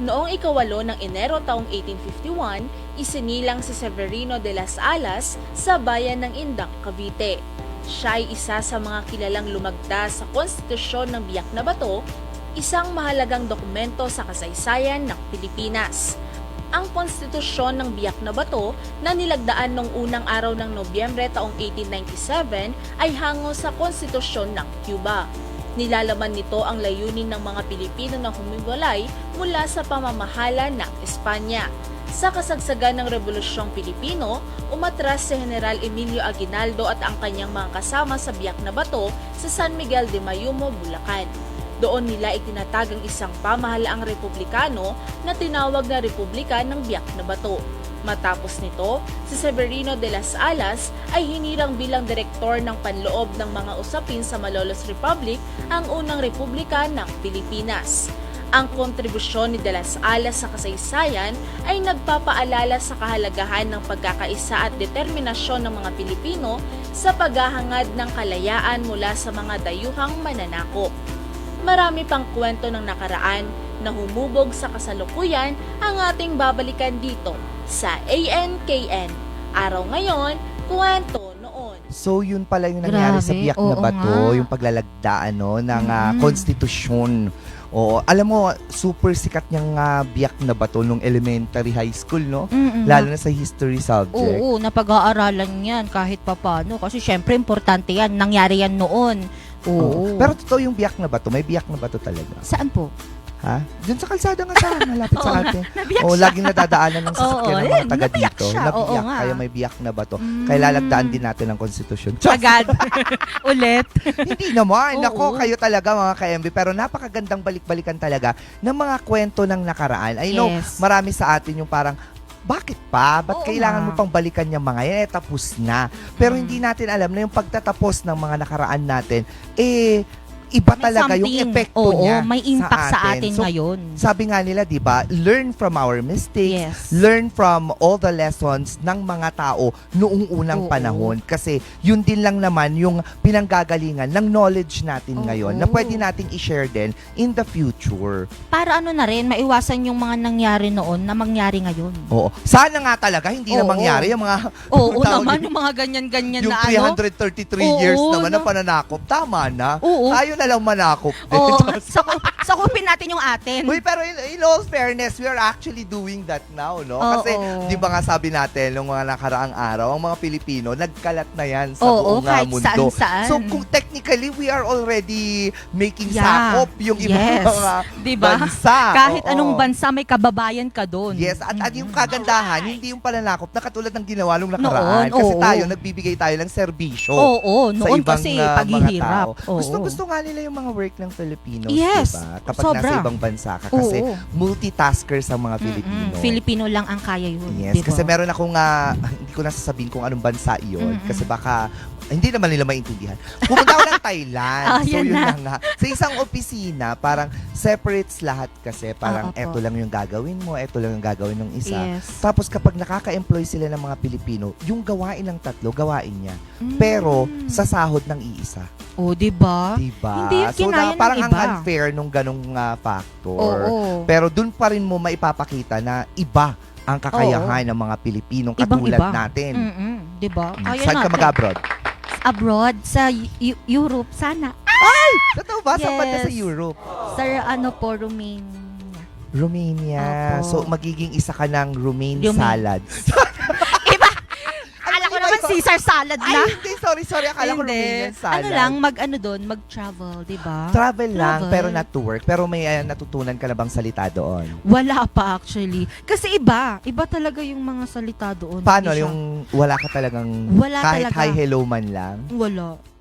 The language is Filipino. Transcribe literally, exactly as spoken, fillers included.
Noong ikawalo ng Enero taong eighteen fifty-one, isinilang si Severino de las Alas sa bayan ng Indang, Cavite. Siya ay isa sa mga kilalang lumagda sa konstitusyon ng Biak na Bato, isang mahalagang dokumento sa kasaysayan ng Pilipinas. Ang konstitusyon ng Biak na Bato na nilagdaan noong unang araw ng Nobyembre taong eighteen ninety-seven ay hango sa konstitusyon ng Cuba. Nilalaman nito ang layunin ng mga Pilipino na humiwalay mula sa pamamahala ng Espanya. Sa kasagsagan ng Rebolusyong Pilipino, umatras si General Emilio Aguinaldo at ang kanyang mga kasama sa Biak na Bato sa San Miguel de Mayumo, Bulacan. Doon nila itinatag ang isang pamahalaang republikano na tinawag na Republika ng Biak na Bato. Matapos nito, si Severino de las Alas ay hinirang bilang direktor ng panloob ng mga usapin sa Malolos Republic, ang unang republika ng Pilipinas. Ang kontribusyon ni de las Alas sa kasaysayan ay nagpapaalala sa kahalagahan ng pagkakaisa at determinasyon ng mga Pilipino sa paghahangad ng kalayaan mula sa mga dayuhang mananakop. Marami pang kwento ng nakaraan na humubog sa kasalukuyan ang ating babalikan dito sa A N K N. Araw ngayon, kwento noon. So yun pala yung nangyari Grabe, sa Biak na oo Bato, nga. yung paglalagdaan no, ng ah, Mm. konstitusyon. Oo, alam mo, super sikat niyang ah, Biak na Bato nung elementary high school, no? Mm-mm. Lalo na sa history subject. Oo, napag-aaralan yan kahit papano. Kasi syempre, importante yan. Nangyari yan noon. Oo. Pero totoo yung Biak na Bato, may Biak na Bato talaga. Saan po? Ha? Diyan sa kalsada nga sa malapit sa Oo, atin. nabiyak Oo, siya. laging nadadaanan ng sasakyan Oo, ng yun, mga taga nabiyak dito. siya. Oo Nabiyak, nga. kaya may Biak na Bato. Mm. Kaya lalagdaan din natin ang konstitusyon. Diyos! Agad. Ulit. Hindi naman. Oo. Nako, kayo talaga mga ka-M B. Pero napakagandang balik-balikan talaga ng mga kwento ng nakaraan. I know, Yes. marami sa atin yung parang, bakit pa? Ba't Oo kailangan nga. mo pang balikan yung mga yan? Eh, tapos na. Pero Mm. hindi natin alam na yung pagtatapos ng mga nakaraan natin, eh, iba May talaga yung something. epekto Oo, niya may impact sa atin, So, ngayon. sabi nga nila, di ba, learn from our mistakes, Yes. learn from all the lessons ng mga tao noong unang Oo. panahon. Kasi yun din lang naman yung pinanggagalingan ng knowledge natin Oo. ngayon na pwede nating i-share din in the future. Para ano na rin, maiwasan yung mga nangyari noon na mangyari ngayon. Oo. Sana nga talaga hindi na Oo. mangyari yung mga Oo tawag naman, yun, yung mga ganyan-ganyan yung na three ano. hundred thirty-three Oo, years naman na no. pananakop. Tama na. Oo. Tayo na lang manakop din. Oo, saku- sakupin natin yung atin. Uy, pero in, in all fairness, we are actually doing that now, no? Oo. Kasi, di ba nga sabi natin, nung mga nakaraang araw, ang mga Pilipino, nagkalat na yan sa Oo, buong ah, kahit mundo. saan-saan. So, kung technically, we are already making Yeah. sakop yung ibang Yes. mga Diba? bansa. Kahit Oo. anong bansa, may kababayan ka doon. Yes, at, at yung Mm. kagandahan, hindi yung pananakop na katulad ng ginawa nung nakaraan. Noon, Kasi oo. tayo, nagbibigay tayo ng serbisyo. Oo, Sa noon ibang kasi ah, mga paghihirap. tao. Oo. Gusto-gusto nga nila yung mga work ng Filipinos, Yes, diba? Kapag sobra. nasa ibang bansa ka. Kasi Oo. multitaskers ang mga Mm-mm. Filipino. Filipino lang ang kaya yun. Yes, diba? kasi meron akong, ah, hindi ko nasasabihin kung anong bansa iyon. Mm-mm. Kasi baka, hindi naman nila maintindihan. Pumunta ako ng Thailand. Ah, so, yan yun na. na nga. Sa isang opisina, parang separates lahat kasi. Parang Ah, opo. eto lang yung gagawin mo, eto lang yung gagawin ng isa. Yes. Tapos kapag nakaka-employ sila ng mga Pilipino, yung gawain ng tatlo, gawain niya. Mm. Pero sa sahod ng iisa. Oh, diba? Diba? Hindi yung So, kinaya na, ng parang ang iba. unfair nung ganong ah, factor. Oo. Pero dun pa rin mo maipapakita na iba ang kakayahan ng mga Pilipinong katulad Ibang-iba. natin. Mm-mm. Diba? Mm. Kaya Saan ka natin. mag-abroad? Abroad, sa Eu- Europe, sana. Totoo ba? Saan banda sa Yes. Europe? Sa ano po, Romania. Romania. Opo. So, magiging isa ka ng romaine Romaine. salad. Iba! Akala ko iba naman ito? Caesar salad Ay, na. hindi. Sorry, sorry. Akala ko Hindi. Romanian salad. Ano lang, mag-ano doon, mag-travel, diba? Travel lang, Travel. pero not to work. Pero may ah, natutunan ka na bang salita doon? Wala pa actually. Kasi iba. Iba talaga yung mga salita doon. Paano? Hindi siya- Yung wala ka talagang Wala kahit talaga. hi, hello man lang? Wala.